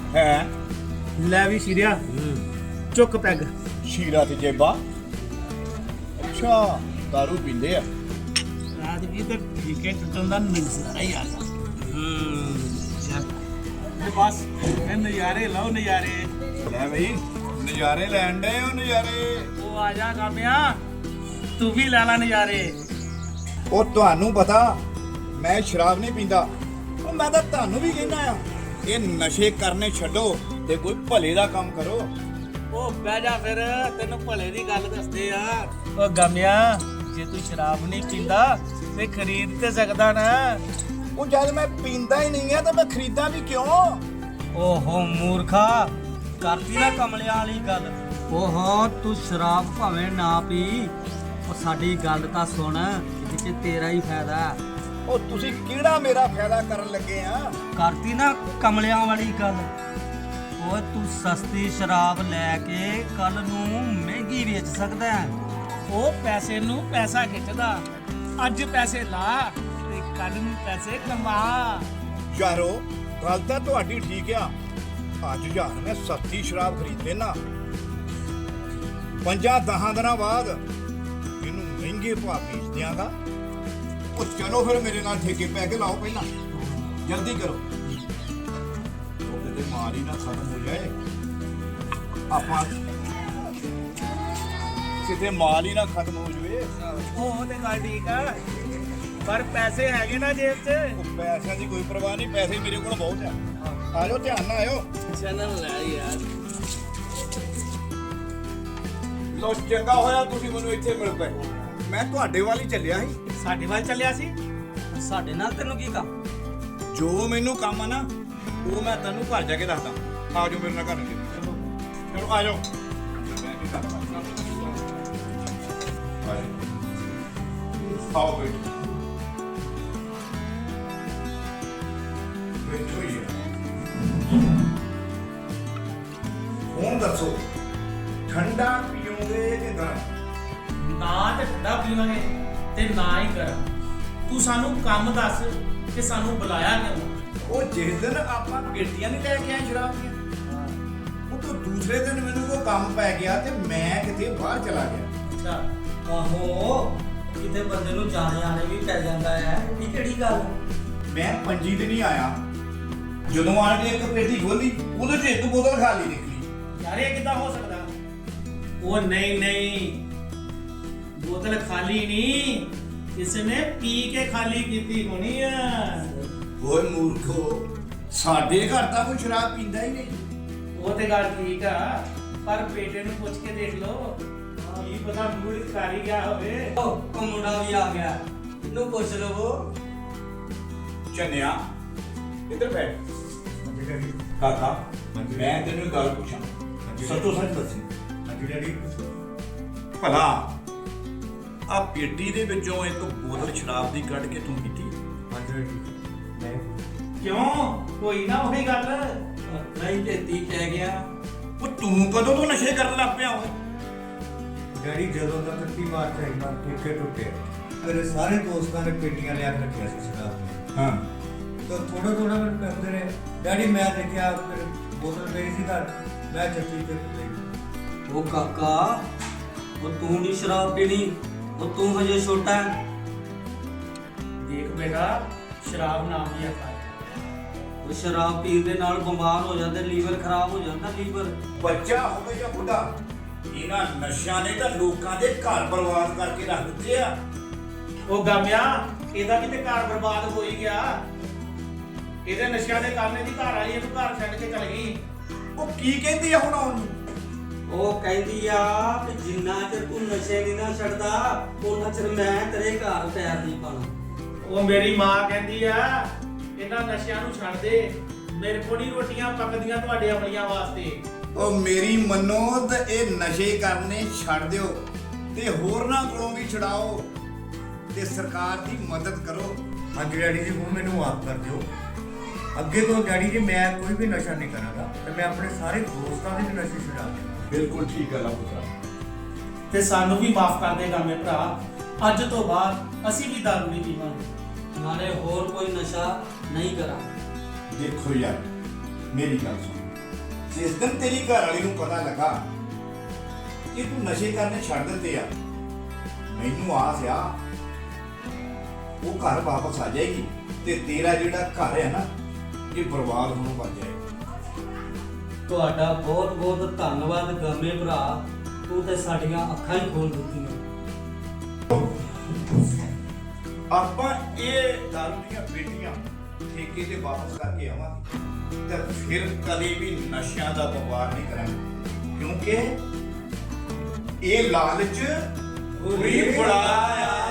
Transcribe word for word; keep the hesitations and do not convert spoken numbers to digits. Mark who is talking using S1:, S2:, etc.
S1: है
S2: ਲੈ ਵੀ ਸ਼ੀਰਿਆ ਚੁੱਕ ਪੈਗ।
S1: शीरा ते जेबा अच्छा दारू पींदे आ
S2: ਰਾਤ ਵੀ ਤਾਂ ਠੀਕੇ ਟੁੱਟਣ ਦਾ ਨਜ਼ਾਰਾ ਹੀ ਆ ਗਿਆ। ਹੂੰ ਚੱਲ ਤੇ ਬਸ ਇਹ ਨਜ਼ਾਰੇ ਲਓ ਨਜ਼ਾਰੇ।
S1: ਲੈ ਬਈ ਨਜ਼ਾਰੇ ਲੈਣ ਡਏ ਹੋ ਨਜ਼ਾਰੇ।
S2: ਉਹ ਆ ਜਾ ਕਾਮਿਆ ਤੂੰ ਵੀ ਲੈ ਲੈ ਨਜ਼ਾਰੇ।
S1: ਉਹ ਤੁਹਾਨੂੰ ਪਤਾ ਮੈਂ ਸ਼ਰਾਬ ਨਹੀਂ ਪੀਂਦਾ। ਉਹ ਮੈਂ ਤਾਂ ਤੁਹਾਨੂੰ ਵੀ ਕਹਿੰਦਾ ਆ ਇਹ ਨਸ਼ੇ ਕਰਨੇ ਛੱਡੋ ਤੇ ਕੋਈ ਭਲੇ ਦਾ ਕੰਮ ਕਰੋ।
S2: ਉਹ ਬਹਿ ਜਾ ਫਿਰ ਤੈਨੂੰ ਭਲੇ ਦੀ ਗੱਲ ਦੱਸਦੇ ਆ। ਉਹ ਗਾਮਿਆ ਜੇ ਤੂੰ ਸ਼ਰਾਬ ਨਹੀਂ ਪੀਂਦਾ ਤੇ ਖਰੀਦ ਤੇ ਸਕਦਾ ਨਾ।
S1: ਉਹ ਜਦ ਮੈਂ ਪੀਂਦਾ ਹੀ ਨਹੀਂ ਆ ਤਾਂ ਮੈਂ ਖਰੀਦਾਂ ਵੀ ਕਿਉਂ?
S2: ਓਹੋ ਮੂਰਖਾ ਕਰਤੀ ਨਾ ਕਮਲਿਆਂ ਵਾਲੀ ਗੱਲ। ਓਹੋ ਤੂੰ ਸ਼ਰਾਬ ਭਾਵੇਂ ਨਾ ਪੀ ਉਹ ਸਾਡੀ ਗੱਲ ਤਾਂ ਸੁਣ ਇਹਦੇ 'ਚ ਤੇਰਾ ਹੀ ਫਾਇਦਾ ਹੈ।
S1: ਉਹ ਤੁਸੀਂ ਕਿਹੜਾ ਮੇਰਾ ਫਾਇਦਾ ਕਰਨ ਲੱਗੇ ਆ?
S2: ਕਰਤੀ ਨਾ ਕਮਲਿਆਂ ਵਾਲੀ ਗੱਲ। ਉਹ ਤੂੰ ਸਸਤੀ ਸ਼ਰਾਬ ਲੈ ਕੇ ਕੱਲ ਨੂੰ ਮਹਿੰਗੀ ਵੇਚ ਸਕਦਾ ਹੈ। ਉਹ ਪੈਸੇ ਨੂੰ ਪੈਸਾ ਖਿੱਚਦਾ। ਅੱਜ ਪੈਸੇ ਲਾ ਤੇ ਕੱਲ ਨੂੰ ਪੈਸੇ ਕਮਾ।
S1: ਯਾਰੋ ਗੱਲ ਤਾਂ ਤੁਹਾਡੀ ਠੀਕ ਆ। ਅੱਜ ਯਾਰ ਮੈਂ ਸਸਤੀ ਸ਼ਰਾਬ ਖਰੀਦ ਲੈਣਾ ਪੰਜਾਂ ਦਹਾਂ ਦਿਨਾਂ ਬਾਅਦ ਇਹਨੂੰ ਮਹਿੰਗੇ ਭਾਅ ਵੇਚ ਦਿਆਂਗਾ। ਉਹ ਚਲੋ ਫਿਰ ਮੇਰੇ ਨਾਲ ਠੇਕੇ ਪੈ ਕੇ ਲਾਓ ਪਹਿਲਾਂ ਜਲਦੀ ਕਰੋ। ਉਹ ਕਿਤੇ ਮਾਰ ਹੀ ਨਾ ਖਤਮ ਹੋ ਜਾਏ। ਆਪਾਂ ਕਿਤੇ ਮਾਲ ਹੀ ਨਾ ਖਤਮ ਹੋ ਜਾਵੇ।
S2: ਉਹ ਤੇ ਗੱਲ ਠੀਕ ਆ ਪਰ ਪੈਸੇ ਹੈਗੇ ਨਾ ਜੇਬ 'ਚ।
S1: ਉਹ ਪੈਸਿਆਂ ਦੀ ਕੋਈ ਪਰਵਾਹ ਨਹੀਂ। ਪੈਸੇ ਮੇਰੇ ਕੋਲ ਬਹੁਤ ਆ। ਆਜੋ ਧਿਆਨ ਨਾਲ ਆਇਓ।
S2: ਚੈਨਲ ਲੈ ਯਾਰ।
S1: ਲੋ ਚੰਗਾ ਹੋਇਆ ਤੁਸੀਂ ਮੈਨੂੰ ਇੱਥੇ ਮਿਲ ਪਏ। ਮੈਂ ਤੁਹਾਡੇ ਵੱਲ ਹੀ ਚੱਲਿਆ ਸੀ।
S2: ਸਾਡੇ ਵੱਲ ਚੱਲਿਆ ਸੀ। ਸਾਡੇ ਨਾਲ ਤੈਨੂੰ ਕੀ ਕੰਮ?
S1: ਜੋ ਮੈਨੂੰ ਕੰਮ ਆ ਨਾ ਉਹ ਮੈਂ ਤੈਨੂੰ ਘਰ ਜਾ ਕੇ ਦੱਸਦਾ। ਆ ਜਾਓ ਮੇਰੇ ਨਾਲ ਘਰ ਨੂੰ। ਚਲੋ ਆ ਜਾਓ। ਆਓ ਬਈ ਬੈਠੋ ਹੀ ਹੁਣ ਦੱਸੋ ਠੰਡਾ ਪੀਓਗੇ ਕਿ ਗਰਮ?
S2: ਨਾ ਤੇ ਠੰਡਾ ਪੀਵਾਂਗੇ ਤੇ ਨਾ ਹੀ ਗਰਮ। ਤੂੰ ਸਾਨੂੰ ਕੰਮ ਦੱਸ ਕਿ ਸਾਨੂੰ ਬੁਲਾਇਆ ਕਿਉਂ?
S1: ਉਹ ਜਿਸ ਦਿਨ ਆਪਾਂ ਪੇਟੀਆਂ ਨਹੀਂ ਲੈ ਕੇ ਆਏ ਸ਼ਰਾਬ ਦੀਆਂ ਉਹ ਤੋਂ ਦੂਸਰੇ ਦਿਨ ਮੈਨੂੰ ਕੋਈ ਕੰਮ ਪੈ ਗਿਆ ਤੇ ਮੈਂ ਕਿਤੇ ਬਾਹਰ ਚਲਾ ਗਿਆ।
S2: ਅੱਛਾ ਆਹੋ ਕਿਤੇ ਬੰਦੇ ਨੂੰ ਜਾਣੇ ਆਣੇ ਵੀ ਪੈ ਜਾਂਦਾ ਹੈ। ਇਹ ਕਿਹੜੀ ਗੱਲ?
S1: ਮੈਂ ਪੰਜੀ ਦਿਨ ਹੀ ਆਇਆ। ਜਦੋਂ ਆਣ ਕੇ ਇੱਕ ਪੇਟੀ ਖੋਲੀ ਉਹਦੇ 'ਚ ਇੱਕ ਬੋਤਲ ਖਾਲੀ ਨਿਕਲੀ।
S2: ਯਾਰ ਇਹ ਕਿੱਦਾਂ ਹੋ ਸਕਦਾ? ਉਹ ਨਹੀਂ ਨਹੀਂ ਬੋਤਲ ਖਾਲੀ ਨਹੀਂ ਕਿਸੇ ਨੇ ਪੀ ਕੇ ਖਾਲੀ ਕੀਤੀ ਹੋਣੀ ਆ।
S1: ਓਏ ਮੂਰਖੋ ਸਾਡੇ ਘਰ ਤਾਂ ਕੋਈ ਸ਼ਰਾਬ ਪੀਂਦਾ ਹੀ ਨਹੀਂ।
S2: ਉਹ ਤੇ ਗੱਲ ਠੀਕ ਆ ਪਰ ਬੇਟੇ ਨੂੰ ਪੁੱਛ ਕੇ ਦੇਖ ਲਓ ਕੀ ਪਤਾ ਮੂਡ ਕਰ ਹੀ ਗਿਆ ਹੋਵੇ। ਉਹ ਮੁੰਡਾ ਵੀ ਆ ਗਿਆ ਇਹਨੂੰ ਪੁੱਛ ਲਵੋ।
S1: ਚੰਨਿਆ ਇੱਧਰ ਬੈਠ। ਕਾਕਾ ਮੈਂ ਤੈਨੂੰ ਇੱਕ ਗੱਲ ਪੁੱਛਾਂ ਸੱਚੋ ਸੱਚ ਦੱਸੀ। ਹਾਂਜੀ ਡੈਡੀ। ਭਲਾ ਆ ਪੇਟੀ ਦੇ ਵਿੱਚੋਂ ਇੱਕ ਬੋਤਲ ਸ਼ਰਾਬ ਦੀ ਕੱਢ ਕੇ ਤੂੰ ਪੀਤੀ? ਹਾਂਜੀ ਨਹੀਂ।
S2: ਕਿਉਂ ਕੋਈ ਨਾ ਉਹੀ ਗੱਲ ਨਹੀਂ ਢੇਤੀ ਪੈ ਗਿਆ।
S1: ਉਹ ਤੂੰ ਕਦੋਂ ਤੋਂ ਨਸ਼ੇ ਕਰਨ ਲੱਗ ਪਿਆ ਓਏ?
S3: ਡੈਡੀ ਜਦੋਂ ਦਾ ਇਕੱਤੀ ਮਾਰਚ ਆਈ ਨਾ ਠੇਕੇ ਟੁੱਟੇ ਮੇਰੇ ਸਾਰੇ ਦੋਸਤਾਂ ਨੇ ਪੇਟੀਆਂ ਲਿਆ ਕੇ ਰੱਖਿਆ ਸੀ ਸ਼ਰਾਬ ਦੀਆਂ।
S1: ਹਾਂ
S3: ਤਾਂ ਥੋੜਾ ਥੋੜਾ ਮੈਨੂੰ ਕਹਿੰਦੇ ਰਹੇ ਡੈਡੀ ਮੈਂ ਦੇਖਿਆ ਫਿਰ ਬੋਤਲ ਪਈ ਸੀ ਘਰ ਮੈਂ ਚੱਕੀ ਤੇ ਲਈ।
S2: ਉਹ ਕਾਕਾ ਉਹ ਤੂੰ ਨਹੀਂ ਸ਼ਰਾਬ ਪੀਣੀ ਉਹ ਤੂੰ ਹਜੇ ਛੋਟਾ ਹੈ। ਦੇਖ ਬੇਟਾ ਸ਼ਰਾਬ ਨਾ ਪੀਆ ਕਰ। ਉਹ ਸ਼ਰਾਬ ਪੀਣ ਦੇ ਨਾਲ ਬਿਮਾਰ ਹੋ ਜਾਂਦੇ ਲੀਵਰ ਖਰਾਬ ਹੋ ਜਾਂਦਾ ਲੀਵਰ।
S1: ਬੱਚਾ ਹੋਵੇ ਜਾਂ ਬੁੱਢਾ ਇਹਨਾਂ ਨਸ਼ਿਆਂ ਨੇ ਤਾਂ ਲੋਕਾਂ ਦੇ ਘਰ ਬਰਬਾਦ ਕਰਕੇ ਰੱਖ ਦਿੱਤੇ ਆ।
S2: ਉਹ ਗਾਮਿਆ ਇਹਦਾ ਕਿਤੇ ਘਰ ਬਰਬਾਦ ਹੋ ਹੀ ਗਿਆ। ਇਹਦੇ ਨਸ਼ਿਆਂ ਦੇ ਕਾਰਨ ਇਹਦੀ ਘਰ ਵਾਲੀ ਇਹਨੂੰ ਘਰ ਛੱਡ ਕੇ ਚਲ ਗਈ।
S1: ਉਹ ਕੀ ਕਹਿੰਦੀ ਆ ਹੁਣ ਉਹਨੂੰ?
S2: ਉਹ ਕਹਿੰਦੀ ਆ ਕਿ ਜਿੰਨਾ ਚਿਰ ਤੂੰ ਨਸ਼ੇ ਨਹੀਂ ਨਾ ਛੱਡਦਾ ਉਹਨਾਂ ਚਿਰ ਮੈਂ ਤੇਰੇ ਘਰ ਪੈਰ ਨਹੀਂ ਪਾਣਾ। ਉਹ ਮੇਰੀ ਮਾਂ ਕਹਿੰਦੀ ਆ ਇਹਨਾਂ ਨਸ਼ਿਆਂ ਨੂੰ ਛੱਡ ਦੇ। ਮੇਰੇ ਕੋਲ ਨਹੀਂ ਰੋਟੀਆਂ ਪੱਕਦੀਆਂ ਤੁਹਾਡੇ ਅਮਲੀਆਂ ਵਾਸਤੇ।
S1: ਉਹ ਮੇਰੀ ਮੰਨੋ ਤੇ ਇਹ ਨਸ਼ੇ ਕਰਨੇ ਛੱਡ ਦਿਓ ਤੇ ਹੋਰਨਾਂ ਕੋਲੋਂ ਵੀ ਛਡਾਓ ਤੇ ਸਰਕਾਰ ਦੀ ਮਦਦ ਕਰੋ।
S3: ਹਾਂਜੀ ਡੈਡੀ ਜੀ ਹੁਣ ਮੈਨੂੰ ਮਾਫ ਕਰ ਦਿਓ। ਅੱਗੇ ਤੋਂ ਡੈਡੀ ਜੀ ਮੈਂ ਕੋਈ ਵੀ ਨਸ਼ਾ ਨਹੀਂ ਕਰਾਂਗਾ ਤੇ ਮੈਂ ਆਪਣੇ ਸਾਰੇ ਦੋਸਤਾਂ ਦੇ ਵੀ ਨਸ਼ੇ ਛੁਡਾ ਦਿਆਂਗਾ।
S1: ਬਿਲਕੁਲ ਠੀਕ ਹੈ ਲਾ ਪੁੱਤਰਾ।
S2: ਤੇ ਸਾਨੂੰ ਵੀ ਮਾਫ ਕਰ ਦੇਗਾ ਮੇਰੇ ਭਰਾ। ਅੱਜ ਤੋਂ ਬਾਅਦ ਅਸੀਂ ਵੀ ਦਾਰੂ ਨਹੀਂ ਪੀਵਾਂਗੇ ਨਾਲੇ ਹੋਰ ਕੋਈ ਨਸ਼ਾ ਨਹੀਂ ਕਰਾਂਗੇ।
S1: ਦੇਖੋ ਯਾਰ ਮੇਰੀ ਗੱਲ ਸੁਣ ਜਿਸ ਦਿਨ ਤੇਰੀ ਘਰ ਵਾਲੀ ਨੂੰ ਪਤਾ ਲੱਗਾ ਕਿ ਤੂੰ ਨਸ਼ੇ ਕਰਨੇ ਛੱਡ ਦਿੱਤੇ ਆ, ਮੈਨੂੰ ਆਸ ਆ ਉਹ ਘਰ ਵਾਪਸ ਆ ਜਾਏਗੀ ਤੇ ਤੇਰਾ ਜਿਹੜਾ ਘਰ ਹੈ ਨਾ ਇਹ ਬਰਬਾਦ ਹੋਣੋਂ ਬਚ ਜਾਏਗਾ।
S2: ਤੁਹਾਡਾ ਬਹੁਤ ਬਹੁਤ ਧੰਨਵਾਦ ਗਾਮੇ ਭਰਾ, ਤੂੰ ਤੇ ਸਾਡੀਆਂ ਅੱਖਾਂ ਹੀ ਖੋਲ ਦਿੱਤੀਆਂ।
S1: ਆਪਾਂ ਇਹ ਦਾਰੂ ਦੀਆਂ ਪੇਟੀਆਂ ਠੇਕੇ ਤੇ ਵਾਪਸ ਕਰਕੇ ਆਵਾਂਗੇ ਤੇ ਫਿਰ ਕਦੇ ਵੀ ਨਸ਼ਿਆਂ ਦਾ ਵਪਾਰ ਨਹੀਂ ਕਰਾਂਗੇ, ਕਿਉਂਕਿ ਇਹ ਲਾਲਚ ਬੁਰੀ ਬਲਾ ਆ।